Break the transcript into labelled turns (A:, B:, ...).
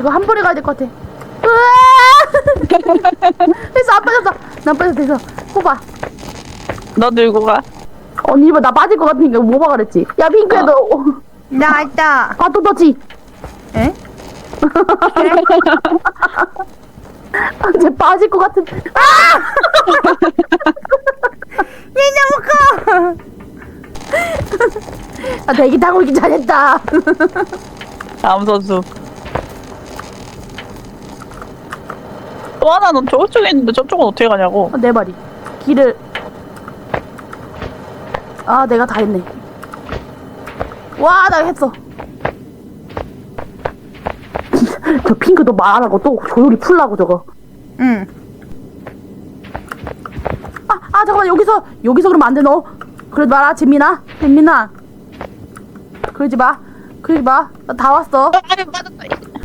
A: 이거 한 번에 가야 될 것 같아. 으아! 됐어, 안 빠졌어. 난 빠졌어, 됐어. 뽑아.
B: 너 들고 가.
A: 언니 이거 나 빠질 것 같으니까 뭐 봐 그랬지. 야 핑크야 너.
C: 나 있다.
A: 아 또 넣지.
C: 에?
A: 쟤 빠질 것 같은. 아!
C: 얘 너무 커.
A: 아 대기 타고 있기 잘했다.
B: 다음 선수. 또 하나는 저쪽에 있는데 저쪽은 어떻게 가냐고.
A: 내 말이. 길을. 아 내가 다 했네. 와 나 했어. 저 핑크도 말 안 하고 또 조용히 풀라고 저거.
C: 응.
A: 아 잠깐만 여기서 그러면 안 돼 너. 그러지 마라 진민아. 진민아. 그러지 마. 나 다 왔어.
B: 아니 맞았다.